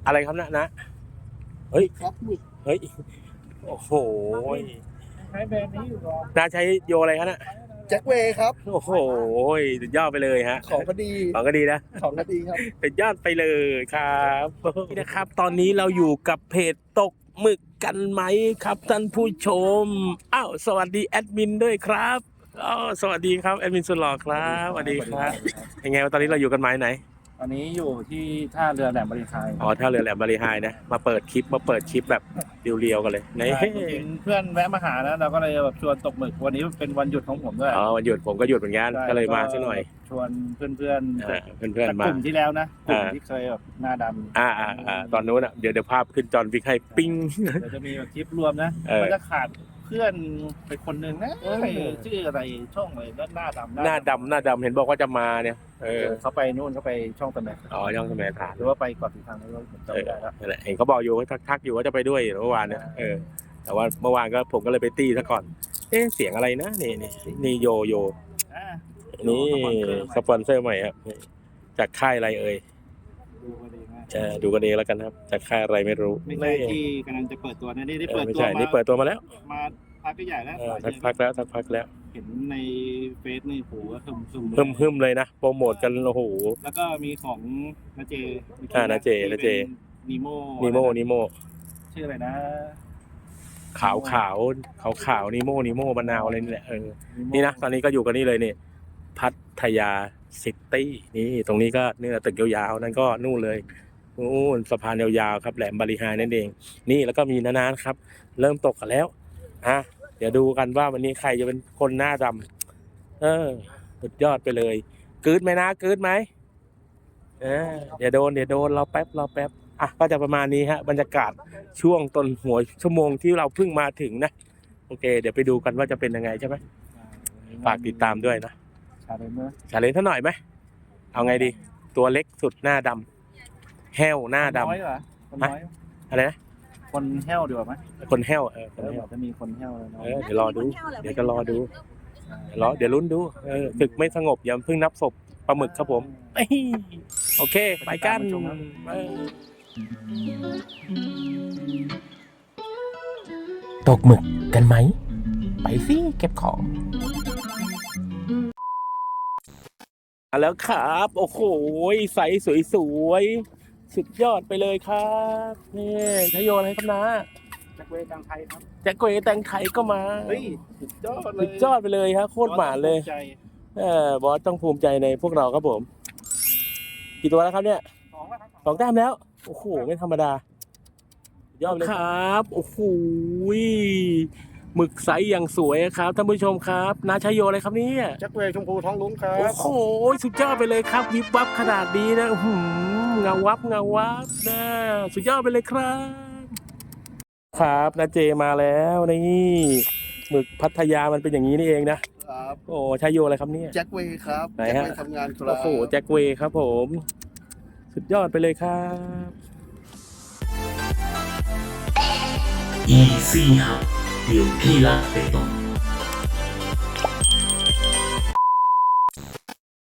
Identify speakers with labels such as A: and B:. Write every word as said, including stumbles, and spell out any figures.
A: อะไรครับนะนะเฮ้ย
B: ครับหมึก
A: เฮ้ยโอ้โห
C: ใช้แบรนด์นี้อยู่หรอ
A: น้าใช้โยอะไรครับนะ
B: แจ็คเวย์ครับ
A: โอ้โหสุดยอดไปเลยฮะ
B: ของก็ดี
A: ของก็ดีนะ
B: ของก็ดีครับ
A: สุดยอดไปเลยครับนี่นะครับ ตอนนี้เราอยู่กับเพจตกหมึกกันไหมครับท่านผู้ชมอ้าวสวัสดีแอดมินด้วยครับอ๋อสวัสดีครับแอดมินสุดหล่อครับสวัสดีครับยังไงตอนนี้เราอยู่กันไหมไหน
C: ตอนนี้อยู่ที่ท่าเรือแหลมบริหาร
A: อ๋อท่าเรือแหลมบริหารนะมาเปิดคลิปมาเปิดคลิปแบบเรียวๆกันเลยใน
C: เพื่อนแวะมาหานะเราก็เลยแบบชวนตกหมึกวันนี้เป็นวันหยุดของผมด้วย
A: อ๋อวันหยุดผมก็หยุดเหมือนกันก็เลยมาสักหน่อย
C: ชวนเพื่อนเพื่อน
A: เพื่อนเพื่อนมาก
C: ลุ่มที่แล้วนะกลุ่มที่เคยแบบหน้าดำ
A: อ่าอ่าอ่าตอนนู้นอ่ะเดี๋ยวเดี๋ยวภาพขึ้นจอนวิกให้ปิ้ง
C: เดี๋ยวจะมีแบบคลิปรวมนะมันจะขาดเพื่อนไปคนหนึ่งนะชื่ออะไรช่องอะไรหน้าดำ
A: หน้าดำหน้าดำเห็นบอกว่าจะมาเนี่ยเออ
C: เขาไปนู่นเขาไปช่องตะแหน่ง
A: อ๋อช่องตะแหน่งฐาน
C: หรือว่าไปเกาะสีชังแล้วผมจำไม่ได้แล้ว
A: เห็นเขาบอกอยู่ว่าทักๆอยู่ว่าจะไปด้วยเมื่อวานเนี่ยเออแต่ว่าเมื่อวานก็ผมก็เลยไปตีซะก่อนเอ๊ะเสียงอะไรนะนี่นี่นี่โยโยนี่สปอนเซอร์ใหม่ครับจากค่ายอะไรเอ่ยเออดูกันเองแล้วกันครับจากค่ายอะไรไม่รู้
C: ไม่ใช่ที่กำลังจะเปิดตัวนะนี่ได้เปิดตัว
A: มานี่เปิดตัวมาแล้ว
C: มาพักใหญ่แล้ว
A: สักพักแล้วสักพักแล้ว
C: เห็นในเฟซนี่โหฮึมฮึม
A: ฮึมฮึมเลยนะโปรโมทกันโอ้โห
C: แล้วก็มีของนาเจ
A: อ่านาเจนาเจ
C: นิโม
A: นิโมนิโม
C: ชื่ออะไรนะ
A: ขาวขาวขาวขาวนิโมนิโมมะนาวอะไรนี่แหละเออนี่นะตอนนี้ก็อยู่กันนี่เลยนี่พัทยาซิตี้นี่ตรงนี้ก็เนี่ยตึกยาวๆนั่นก็นู่นเลยนู่นสะพานยาวๆครับแหลมบริหารนั่นเองนี่แล้วก็มีนานๆครับเริ่มตกกันแล้วอ่ะเดี๋ยวดูกันว่าวันนี้ใครจะเป็นคนหน้าดำเออสุดยอดไปเลยกึดไหมนะกึดไหมเออเดี๋ยวโดนเดี๋ยวโดนเราแป๊บเราแป๊บอ่ะก็จะประมาณนี้ฮะบรรยากาศช่วงต้นหัวชั่วโมงที่เราเพิ่งมาถึงนะโอเคเดี๋ยวไปดูกันว่าจะเป็นยังไงใช่ไหมฝากติดตามด้วยนะ
C: ชาเลนจ์นะ
A: ชาเลนจ์เท่าหน่อยไหมเอาไงดีตัวเล็กสุดหน้าดำแห้วหน้าดำอะไรนะ
C: คนแห้วดีกว่าไหม
A: คนแห้วเออคนแห้ว
C: จะมีคนแห้ว
A: เออเดี๋ยวรอดูเดี๋ยวจะรอดูรอเดี๋ยวลุ้นดูเออศึกไม่สงบอย่าเพิ่งนับศพปลาหมึกครับผมโอเคไปกันตกหมึกกันไหมไปสิเก็บของมาแล้วครับโอ้โหใสสวยๆสุดยอดไปเลยครับนี่ทโยนให้ครับนะ
C: แจ็คเวย์แตงไทยครับ
A: แจ็คเวย์แตงไทยก็มา
C: เฮ้ยสุดยอดเลย
A: สุดยอดไปเลยครับโคตรหมาเลยเออบอสต้องภูมิใจในพวกเราครับผมกี่ตัวแล้วครับเนี่ย
C: สองแล้วครับ
A: สองแต้มแล้วโอ้โหไม่ธรรมดายอดเลยครับโอ้โหหมึกไซส์อย่างสวยครับท่านผู้ชมครับนาชัยโยอะไรครับเนี่ย
C: แจ็คเวย์ชมพูท้องลุ้งครับ
A: โอ้โหสุดยอดไปเลยครับวิบวับขนาดนี้นะหืมเงาวับเงาวับนะสุดยอดไปเลยครับครับนาเจมาแล้วนี่หมึกพัทยามันเป็นอย่างนี้นี่เองนะครับโอ้ชัยโยอะไรครับเนี่ย
B: แจ็คเวย์ครับ
A: ไหนฮะ
B: ทำงานครับ
A: โอ้โหแจ็คเวย์ครับผมสุดยอดไปเลยครับ
D: Easy ครับเดี๋ยวพี่รักไปตรง